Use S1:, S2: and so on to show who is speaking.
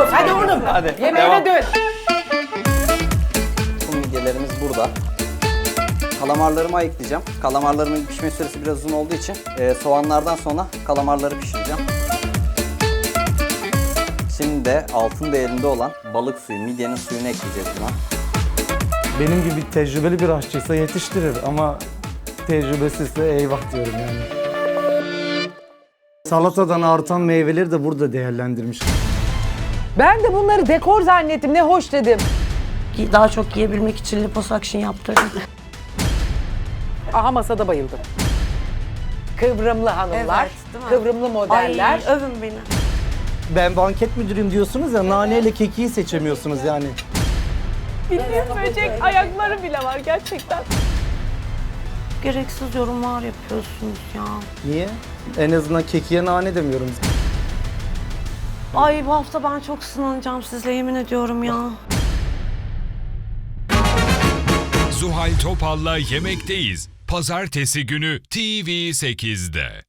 S1: Hadi oğlum.
S2: Hadi,
S1: Yemeğine
S2: devam.
S1: dön.
S2: Bu midyelerimiz burada. Kalamarlarımı ayıklayacağım. Kalamarlarımın pişme süresi biraz uzun olduğu için soğanlardan sonra kalamarları pişireceğim. Şimdi de altın değerinde olan balık suyu, midyenin suyunu ekleyeceğiz buna.
S3: Benim gibi tecrübeli bir aşçıysa yetiştirir ama tecrübesizse eyvah diyorum yani. Salatadan artan meyveleri de burada değerlendirmiş.
S1: Ben de bunları dekor zannettim. Ne hoş dedim.
S4: Daha çok yiyebilmek için liposuction yaptırdım.
S1: Aha masada bayıldım. Kıvrımlı hanımlar,
S4: Evet, değil mi?
S1: kıvrımlı modeller.
S4: Ay övün beni.
S3: Ben banket müdürüyüm diyorsunuz ya, naneyle kekiği seçemiyorsunuz yani.
S4: Bildiğin böcek ayakları bile var gerçekten. Gereksiz yorumlar yapıyorsunuz ya.
S3: Niye? En azından kekiğe nane demiyorum.
S4: Ay bu hafta ben çok sınanacağım sizle yemin ediyorum ya.
S5: Zuhal Topal'la Yemekteyiz. Pazartesi günü TV8'de.